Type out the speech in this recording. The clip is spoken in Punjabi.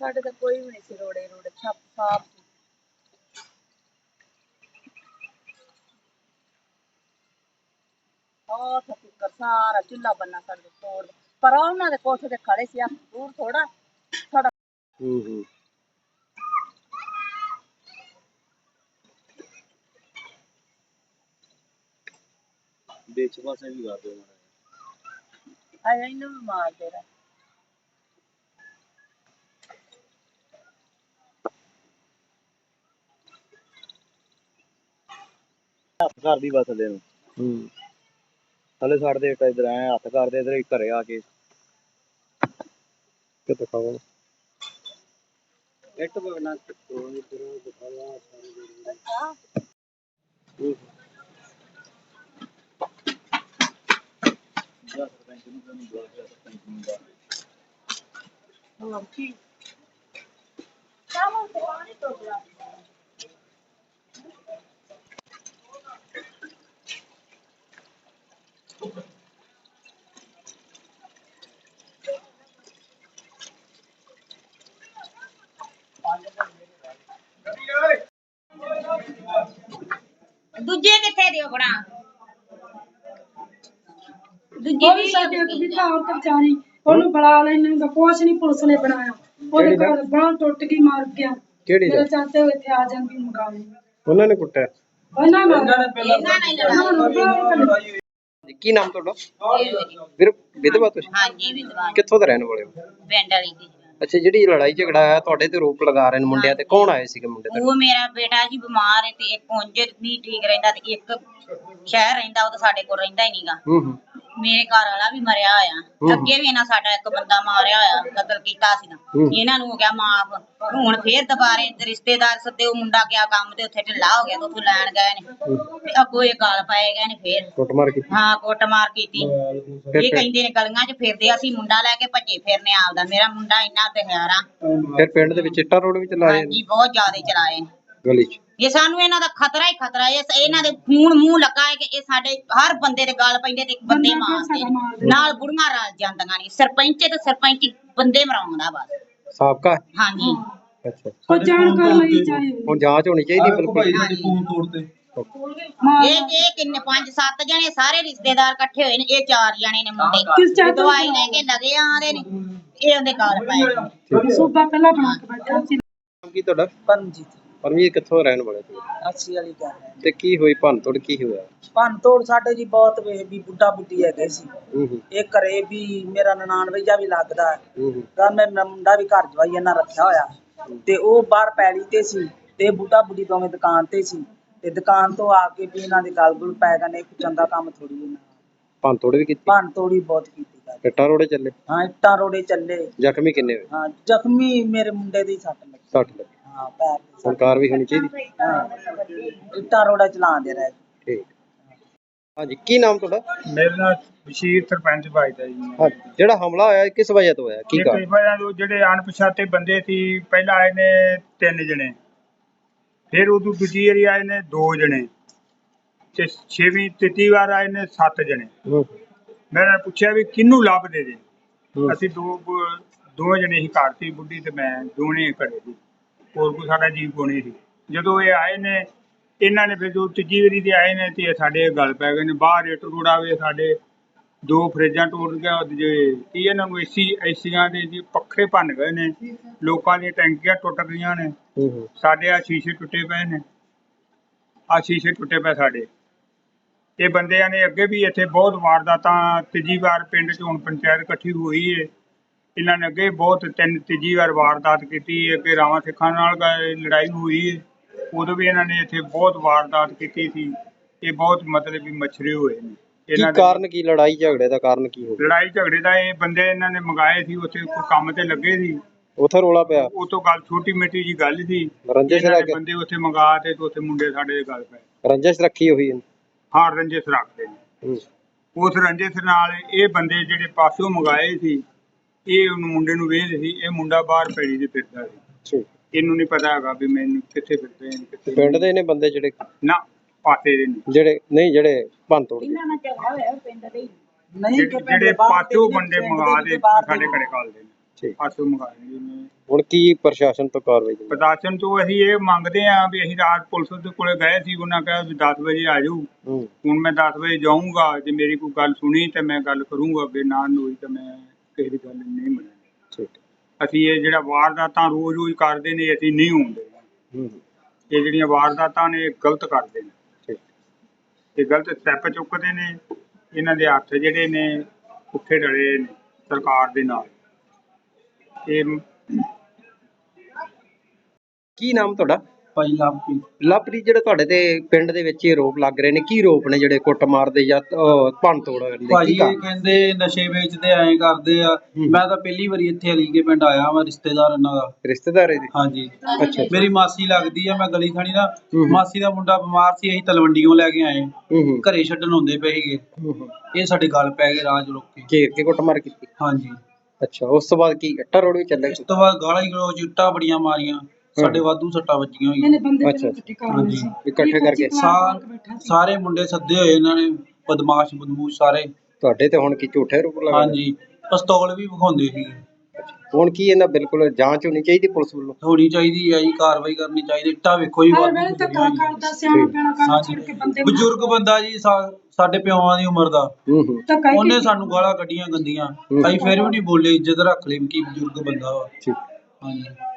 ਸਾਡੇ ਤਾਂ ਕੋਈ ਵੀ ਨਹੀਂ ਸੀ ਰੋੜੇ ਰੋੜੇ ਛੱਪ ਸਾਫ ਉਹ ਤਾਂ ਸਾਰਾ ਚੁੱਲਾ ਬੰਨਾ ਸਾਡੇ ਤੋੜ ਪਰ ਉਹਨਾਂ ਦੇ ਕੋਠੇ ਤੇ ਖੜੇ ਸੀ ਦੂਰ ਥੋੜਾ ਸਾਡਾ ਵਿੱਚ ਪਾਸੇ ਵੀ ਕਰ ਦਿਓ ਆਇਆ ਇਹਨੂੰ ਵੀ ਮਾਰ ਦੇ ਰਾ ਹੱਥ ਕਰਦੀ ਬਸ ਥੱਲੇ ਨੂੰ ਥੱਲੇ ਛੱਡਦੇ ਇੱਕ ਇਧਰ ਆਏ ਹੱਥ ਕਰਦੇ ਇਧਰ ਘਰੇ ਆ ਕੇ ਕਿਤੇ ਖਾਵਾਂ ਇੱਟ ਬਣਾ ਤੋੜਨੀ ਫਿਰ ਦਿਖਾਵਾ ਸਾਰੇ ਦੂਜੇ ਕਿੱਥੇ ਦਿਓ ਬਣਾ ਦੂਜੀ ਉਹ ਵੀ ਸਾਡੇ ਇੱਕ ਵੀ ਤਾਂ ਔਰਤ ਵਿਚਾਰੀ ਉਹਨੂੰ ਬੁਲਾ ਲੈਣੇ ਤਾਂ ਕੁਛ ਨਹੀਂ ਪੁਲਿਸ ਨੇ ਬਣਾਇਆ ਉਹਦੇ ਘਰ ਬਾਂਹ ਟੁੱਟ ਗਈ ਮਾਰ ਗਿਆ ਮੇਰੇ ਚਾਚੇ ਇੱਥੇ ਆ ਜਾਂਦੀ ਮਗਾਵੇ ਉਹਨਾਂ ਨੇ ਕੁੱਟਿਆ ਉਹਨਾਂ ਨੇ ਕੀ ਨਾਮ ਤੁਹਾਡਾ ਵੀਰ ਵਿਧਵਾ ਤੁਸੀਂ ਹਾਂਜੀ ਵਿਦਵਾਨ ਕਿੱਥੋਂ ਦੇ ਰਹਿਣ ਵਾਲੇ ਹੋ ਪਿੰਡ ਵਾਲੀ ਦੀ ਅੱਛਾ ਜਿਹੜੀ ਲੜਾਈ ਝਗੜਾ ਆਇਆ ਤੁਹਾਡੇ ਤੇ ਰੋਪ ਲਗਾ ਰਹੇ ਨੇ ਮੁੰਡਿਆਂ ਤੇ ਕੌਣ ਆਏ ਸੀਗੇ ਮੁੰਡੇ ਤੇ ਉਹ ਮੇਰਾ ਬੇਟਾ ਜੀ ਬਿਮਾਰ ਹੈ ਤੇ ਇੱਕ ਉਂਝ ਨਹੀਂ ਠੀਕ ਰਹਿੰਦਾ ਤੇ ਇੱਕ ਸ਼ਹਿਰ ਰਹਿੰਦਾ ਉਹ ਤਾਂ ਸਾਡੇ ਕੋਲ ਰਹਿੰਦਾ ਹੀ ਨਹੀਂਗਾ ਮੇਰੇ ਘਰ ਵਾਲਾ ਵੀ ਮਰਿਆ ਹੋਇਆ ਅੱਗੇ ਵੀ ਇਹਨਾਂ ਸਾਡਾ ਇੱਕ ਬੰਦਾ ਮਾਰਿਆ ਹੋਇਆ ਕਤਲ ਕੀਤਾ ਸੀ ਨਾ ਇਹਨਾਂ ਨੂੰ ਹੋ ਗਿਆ ਮਾਫ ਹੁਣ ਫੇਰ ਦੁਬਾਰੇ ਰਿਸ਼ਤੇਦਾਰ ਸੱਦੇ ਉਹ ਮੁੰਡਾ ਗਿਆ ਕੰਮ ਤੇ ਉੱਥੇ ਢਿੱਲਾ ਹੋ ਗਿਆ ਤੇ ਉੱਥੋਂ ਲੈਣ ਗਏ ਨੇ ਤੇ ਅੱਗੋਂ ਇਹ ਗਾਲ ਪਾਏ ਗਏ ਨੇ ਫੇਰ ਕੁੱਟਮਾਰ ਕੀਤੀ ਹਾਂ ਕੁੱਟਮਾਰ ਕੀਤੀ ਇਹ ਕਹਿੰਦੇ ਨੇ ਗਲੀਆਂ 'ਚ ਫਿਰਦੇ ਅਸੀਂ ਮੁੰਡਾ ਲੈ ਕੇ ਭੱਜੇ ਫਿਰਨੇ ਆਪਦਾ ਮੇਰਾ ਮੁੰਡਾ ਇੰਨਾ ਦਿਹਾਰਾ ਫਿਰ ਪਿੰਡ ਦੇ ਵਿੱਚ ਇੱਟਾ ਰੋਡ ਵੀ ਚਲਾਏ ਹਾਂਜੀ ਬਹੁਤ ਜ਼ਿਆਦਾ ਚਲਾਏ ਨੇ ਗਲੀ 'ਚ ਇਹ ਸਾਨੂੰ ਇਹਨਾਂ ਦਾ ਖਤਰਾ ਹੀ ਖਤਰਾ ਹੈ ਇਹਨਾਂ ਦੇ ਖੂਨ ਮੂੰਹ ਲੱਗਾ ਹੈ ਕਿ ਇਹ ਸਾਡੇ ਹਰ ਬੰਦੇ ਦੇ ਗਾਲ ਪੈਂਦੇ ਤੇ ਬੰਦੇ ਮਾਰਦੇ ਨਾਲ ਬੁੜੀਆਂ ਰਲ ਜਾਂਦੀਆਂ ਨੇ ਸਰਪੰਚ ਤੇ ਸਰਪੰਚ ਬੰਦੇ ਮਰਾਉਂਦਾ ਬਸ ਸਾਬਕਾ ਹਾਂਜੀ ਅੱਛਾ ਉਹ ਜਾਣਕਾਰ ਲਈ ਚਾਹੀਦੀ ਹੁਣ ਜਾਂਚ ਹੋਣੀ ਚਾਹੀਦੀ ਬਿਲਕੁਲ ਫੋਨ ਤੋੜਦੇ ਇਹ ਕਿੰਨੇ 5-7 ਜਣੇ ਸਾਰੇ ਰਿਸ਼ਤੇਦਾਰ ਇਕੱਠੇ ਹੋਏ ਨੇ ਇਹ 4 ਜਣੇ ਨੇ ਮੁੰਡੇ ਦਵਾਈ ਲੈ ਕੇ ਲਗੇ ਆਂਦੇ ਨੇ ਇਹ ਉਹਦੇ ਗਾਲ ਪਏ ਸੂਬਾ ਪਹਿਲਾਂ ਬਣਾ ਕੇ ਬੈਠਾ ਸੀ ਕੀ ਤੁਹਾਡਾ ਪਰਮਜੀਤ ਪਰਮਜੀਤ ਕਿੱਥੋਂ ਰਹਿਣ ਵਾਲੇ ਤੁਸੀਂ 80 ਵਾਲੀ ਗੱਲ ਹੈ ਤੇ ਕੀ ਹੋਈ ਭੰਨਤੋੜ ਕੀ ਹੋਇਆ ਭੰਨ ਤੋੜ ਸਾਡੇ ਜੀ ਬਹੁਤ ਵੇ ਵੀ ਬੁੱਢਾ ਬੁੱਢੀ ਹੈਗੇ ਸੀ ਇਹ ਘਰੇ ਵੀ ਮੇਰਾ ਨਨਾਣ ਵਈਆ ਵੀ ਲੱਗਦਾ ਤਾਂ ਮੇਰਾ ਮੁੰਡਾ ਵੀ ਘਰ ਜਵਾਈ ਇਹਨਾਂ ਰੱਖਿਆ ਹੋਇਆ ਤੇ ਉਹ ਬਾਹਰ ਪੈਲੀ ਤੇ ਸੀ ਤੇ ਬੁੱਢਾ ਬੁੱਢੀ ਦੋਵੇਂ ਦੁਕਾਨ ਤੇ ਸੀ ਤੇ ਦੁਕਾਨ ਤੋਂ ਆ ਕੇ ਵੀ ਇਹਨਾਂ ਦੇ ਗਲ ਗੁਲ ਪੈ ਗਏ ਨੇ ਚੰਗਾ ਕੰਮ ਥੋੜੀ ਇਹਨਾਂ ਭੰਨਤੋੜ ਵੀ ਕੀਤੀ ਭੰਨ ਤੋੜੀ ਬਹੁਤ ਕੀਤੀ ਇੱਟਾਂ ਰੋੜੇ ਚੱਲੇ ਹਾਂ ਇੱਟਾਂ ਰੋੜੇ ਚੱਲੇ ਜ਼ਖਮੀ ਕਿੰਨੇ ਹੋਏ ਹਾਂ ਜ਼ਖਮੀ ਮੇਰੇ ਮੁੰਡੇ ਦੀ ਸੱਟ ਲੱਗੀ 60 ਲੱਗੇ ਹਾਂ ਪੈਰ ਤੇ ਸਰਕਾਰ ਵੀ ਹੋਣੀ ਚਾਹੀਦੀ ਹਾਂ ਇੱਟਾਂ ਰੋੜਾ ਚਲਾਉਂਦੇ ਰਹੇ ਠੀਕ ਹਾਂਜੀ ਕੀ ਨਾਮ ਤੁਹਾਡਾ ਮੇਰੇ ਨਾਲ ਬਸ਼ੀਰ ਸਰਪੰਚ ਭਾਈਦਾ ਜੀ ਹਾਂ ਜਿਹੜਾ ਹਮਲਾ ਹੋਇਆ ਇਹ ਕਿਸ ਵਜ੍ਹਾ ਤੋਂ ਹੋਇਆ ਕੀ ਇਹ ਕਾਰਨ ਕਈ ਵਾਰ ਜਿਹੜੇ ਅਣਪਛਾਤੇ ਬੰਦੇ ਸੀ ਪਹਿਲਾਂ ਆਏ ਨੇ 3 ਜਣੇ ਫਿਰ ਉਦੋਂ ਦੂਜੀ ਵਾਰੀ ਆਏ ਨੇ 2 ਜਣੇ ਤੇ 6ਵੀਂ ਤੀਜੀ ਵਾਰ ਆਏ ਨੇ 7 ਜਣੇ ਮੈਂ ਪੁੱਛਿਆ ਵੀ ਕਿਹਨੂੰ ਲੱਭਦੇ ਜੇ ਅਸੀਂ ਦੋ ਜਣੇ ਹੀ ਘਰ ਸੀ ਬੁੱਢੀ ਤੇ ਮੈਂ ਦੋਨੇ ਘਰੇ ਸੀ ਹੋਰ ਕੋਈ ਸਾਡਾ ਜੀਵ ਕੋਣੀ ਸੀ ਜਦੋਂ ਇਹ ਆਏ ਨੇ ਇਹਨਾਂ ਨੇ ਫਿਰ ਜੋ ਤੀਜੀ ਵਾਰੀ ਦੇ ਆਏ ਨੇ ਤੇ ਇਹ ਸਾਡੇ ਗੱਲ ਪੈ ਗਏ ਨੇ ਬਾਹਰ ਇੱਟ ਰੋੜਾਵੇ ਸਾਡੇ 2 ਫਰਿੱਜਾਂ ਟੁੱਟ ਗਿਆ ਜੇ ਕੀ ਇਹਨਾਂ ਨੂੰ ਏਸੀਆਂ ਦੇ ਜੀ ਪੱਖੇ ਭੰਨ ਗਏ ਨੇ ਲੋਕਾਂ ਦੀਆਂ ਟੈਂਕੀਆਂ ਟੁੱਟ ਗਈਆਂ ਨੇ ਸਾਡੇ ਆ ਸ਼ੀਸ਼ੇ ਟੁੱਟੇ ਪਏ ਨੇ ਆ ਸ਼ੀਸ਼ੇ ਟੁੱਟੇ ਪਏ ਸਾਡੇ ਇਹ ਬੰਦਿਆਂ ਨੇ ਅੱਗੇ ਵੀ ਇੱਥੇ ਬਹੁਤ ਵਾਰਦਾਤਾਂ ਤੀਜੀ ਵਾਰ ਪਿੰਡ 'ਚ ਹੁਣ ਪੰਚਾਇਤ ਇਕੱਠੀ ਹੋਈ ਏ ਇਹਨਾਂ ਨੇ ਅੱਗੇ ਬਹੁਤ ਤੀਜੀ ਵਾਰ ਵਾਰਦਾਤ ਕੀਤੀ ਅੱਗੇ ਰਾਵਾਂ ਸਿੱਖਾਂ ਨਾਲ ਲੜਾਈ ਹੋਈ ਏ ਉਦੋਂ ਵੀ ਇਹਨਾਂ ਨੇ ਇੱਥੇ ਬਹੁਤ ਵਾਰਦਾਤ ਕੀਤੀ ਸੀ ਇਹ ਬਹੁਤ ਮਤਲਬ ਵੀ ਮਛਰੇ ਹੋਏ ਨੇ ਕੀ ਕਾਰਨ ਕੀ ਲੜਾਈ ਝਗੜੇ ਦਾ ਕਾਰਨ ਕੀ ਹੋ ਗਿਆ ਲੜਾਈ ਝਗੜੇ ਦਾ ਇਹ ਬੰਦੇ ਇਹਨਾਂ ਨੇ ਮੰਗਾਏ ਸੀ ਉੱਥੇ ਕੋਈ ਕੰਮ ਤੇ ਲੱਗੇ ਸੀ ਉੱਥੇ ਰੋਲਾ ਪਿਆ ਉਹ ਤੋਂ ਗੱਲ ਛੋਟੀ ਮਿੱਟੀ ਜੀ ਗੱਲ ਸੀ ਰੰਜਿਸ਼ ਇਹਨਾਂ ਰੱਖ ਨੇ ਬੰਦੇ ਉੱਥੇ ਮੰਗਾ ਤੇ ਉੱਥੇ ਮੁੰਡੇ ਸਾਡੇ ਦੇ ਗੱਲ ਪਏ ਰੰਜਿਸ਼ ਰੱਖੀ ਹੋਈ ਹੈ ਹਾਂ ਰੰਜਿਸ਼ ਰੱਖਦੇ ਨੇ ਉਸ ਰੰਜਿਸ਼ ਨਾਲ ਇਹ ਬੰਦੇ ਜਿਹੜੇ ਪਾਸੋਂ ਮੰਗਾਏ ਸੀ ਇਹ ਉਹਨੂੰ ਮੁੰਡੇ ਨੂੰ ਵੇਚਦੇ ਸੀ ਇਹ ਮੁੰਡਾ ਬਾਹਰ ਪੈੜੀ ਦੇ ਫਿਰਦਾ ਸੀ ਇਹਨੂੰ ਨਹੀਂ ਪਤਾ ਹੈਗਾ ਵੀ ਮੈਨੂੰ ਕਿੱਥੇ ਫਿਰਦੇ ਨੇ ਕਿੱਥੇ ਪਿੰਡ ਦੇ ਨੇ ਬੰਦੇ ਜਿਹੜੇ ਨਾ ਪਾਸੇ ਦੇ ਨੇ ਜਿਹੜੇ ਭੰਨ ਤੋੜ ਨਹੀਂ ਜਿਹੜੇ ਪਾਸੋਂ ਬੰਦੇ ਮੰਗਾ ਦੇ ਸਾਡੇ ਘਰੇ ਕਾਲਦੇ ਨੇ ਠੀਕ। ਪਾਸੋਂ ਮੰਗਾਏ ਨੇ। ਹੁਣ ਕੀ ਪ੍ਰਸ਼ਾਸਨ ਤੋਂ ਕਾਰਵਾਈ ਦੀ? ਪ੍ਰਸ਼ਾਸਨ ਤੋਂ ਅਸੀਂ ਇਹ ਮੰਗਦੇ ਹਾਂ ਵੀ ਅਸੀਂ ਰਾਤ ਪੁਲਿਸ ਦੇ ਕੋਲੇ ਗਏ ਸੀ, ਉਹਨਾਂ ਕਿਹਾ ਵੀ 10 ਵਜੇ ਆ ਜਾਓ। ਹੁਣ ਮੈਂ 10 ਵਜੇ ਜਾਊਂਗਾ, ਜੇ ਮੇਰੀ ਕੋਈ ਗੱਲ ਸੁਣੀ ਤੇ ਮੈਂ ਗੱਲ ਕਰੂੰਗਾ, ਅੱਗੇ ਨਾ ਹੋਈ ਤਾਂ ਮੈਂ ਕਿਸੇ ਦੀ ਗੱਲ ਨਹੀਂ ਮੰਨਣੀ। ਠੀਕ। ਅਸੀਂ ਇਹ ਜਿਹੜਾ ਵਾਰਦਾਤਾਂ ਰੋਜ਼ ਕਰਦੇ ਨੇ, ਅਸੀਂ ਨਹੀਂ ਹੁੰਦੇ। ਇਹ ਜਿਹੜੀਆਂ ਵਾਰਦਾਤਾਂ ਨੇ ਇਹ ਗਲਤ ਕਰਦੇ ਨੇ, ਇਹ ਗਲਤ ਸਟੈਪ ਚੁੱਕਦੇ ਨੇ। ਇਹਨਾਂ ਦੇ ਹੱਥ ਜਿਹੜੇ ਨੇ ਪੁੱਠੇ ਡਲੇ ਨੇ ਸਰਕਾਰ ਦੇ ਨਾਲ। ਇਹ ਕੀ ਨਾਮ ਤੁਹਾਡਾ? ਭਾਈ ਲਵਪ੍ਰੀਤ। ਲਵਪ੍ਰੀਤ, ਜਿਹੜੇ ਤੁਹਾਡੇ ਤੇ ਪਿੰਡ ਦੇ ਵਿੱਚ ਇਹ ਆਰੋਪ ਲੱਗ ਰਹੇ ਨੇ, ਕੀ ਆਰੋਪ ਨੇ ਜਿਹੜੇ ਕੁੱਟਮਾਰ ਦੇ ਜਾਂ ਭੰਨ ਤੋੜ ਕਰਨ ਦੇ? ਭਾਜੀ ਇਹ ਕਹਿੰਦੇ ਨਸ਼ੇ ਵੇਚਦੇ ਐਂ ਕਰਦੇ ਆ। ਮੈਂ ਤਾਂ ਪਹਿਲੀ ਵਾਰੀ ਇੱਥੇ ਅਲੀਗੇ ਪਿੰਡ ਆਇਆ ਵਾਂ, ਰਿਸ਼ਤੇਦਾਰ ਇਹਨਾਂ ਦਾ। ਰਿਸ਼ਤੇਦਾਰ ਇਹਦੇ? ਹਾਂਜੀ। ਅੱਛਾ। ਮੇਰੀ ਮਾਸੀ ਲੱਗਦੀ ਆ, ਮੈਂ ਗਲੀ ਥਾਣੀ ਦਾ। ਮਾਸੀ ਦਾ ਮੁੰਡਾ ਬਿਮਾਰ ਸੀ, ਅਸੀਂ ਤਲਵੰਡੀਓਂ ਲੈ ਕੇ ਆਏ, ਘਰੇ ਛੱਡਣ ਹੁੰਦੇ ਪਏ ਸੀਗੇ। ਇਹ ਸਾਡੇ ਗੱਲ ਪੈ ਗਏ ਰਾਜ ਰੋਕ ਕੇ, ਘੇਰ ਕੇ ਕੁੱਟਮਾਰ ਕੀਤੀ? ਹਾਂਜੀ। ਅੱਛਾ, ਉਸ ਤੋਂ ਬਾਅਦ ਕੀ ਇੱਟਾਂ ਰੋੜ ਵੀ ਚੱਲੇ? ਉਸ ਤੋਂ ਬਾਅਦ ਗਾਲਾਂ ਹੀ ਗਲੋਚ, ਇੱਟਾਂ ਬੜੀਆਂ ਮਾਰੀਆਂ, ਸਾਡੇ ਵਾਧੂ ਸੱਟਾਂ ਵੱਜੀਆਂ ਹੋਈਆਂ। ਇਹਨੇ ਬੰਦੇ ਅੱਛਾ। ਇਕੱਠੇ ਕਰ ਲਏ ਹਾਂਜੀ। ਸੀ। ਇਕੱਠੇ ਕਰਕੇ ਸਾਰੇ ਮੁੰਡੇ ਸੱਦੇ ਹੋਏ ਇਹਨਾਂ ਨੇ, ਬਦਮਾਸ਼ ਬਦਮੂਸ਼ ਸਾਰੇ। ਤੁਹਾਡੇ ਤੇ ਹੁਣ ਕੀ ਝੂਠੇ ਆਰੋਪ ਲਗਾ? ਹਾਂਜੀ, ਪਿਸਤੌਲ ਵੀ ਵਿਖਾਉਂਦੇ ਸੀ। ਹੁਣ ਕੀ ਇਹਨਾਂ ਬਿਲਕੁਲ ਜਾਂਚ ਹੋਣੀ ਚਾਹੀਦੀ ਪੁਲਿਸ ਵੱਲੋਂ? ਹੋਣੀ ਚਾਹੀਦੀ ਹੈ ਜੀ, ਕਾਰਵਾਈ ਕਰਨੀ ਚਾਹੀਦੀ। ਇੱਟਾਂ ਵੇਖੋ ਜੀ, ਹਰ ਵਾਧੂ ਵੇਲੇ ਧੱਕਾ ਵੱਜੀਆਂ ਹੋਈਆਂ। ਕਰਦਾ, ਸਿਆਣਾ ਪੈਣਾ ਕੰਮ ਛੱਡ ਕੇ ਬੰਦੇ ਨੂੰ ਬਜ਼ੁਰਗ ਬੰਦਾ ਜੀ, ਸਾਡੇ ਪਿਓਾਂ ਦੀ ਉਮਰ ਦਾ। ਧੱਕਾ ਹੀ ਉਹਨੇ ਕੀਤਾ। ਸਾਨੂੰ ਗਾਲਾਂ ਕੱਢੀਆਂ ਗੰਦੀਆਂ, ਅਸੀਂ ਫਿਰ ਵੀ ਨਹੀਂ ਬੋਲੇ, ਇੱਜ਼ਤ ਰੱਖ ਲਈ ਕਿ ਬਜ਼ੁਰਗ ਬੰਦਾ ਵਾ। ਠੀਕ। ਹਾਂਜੀ।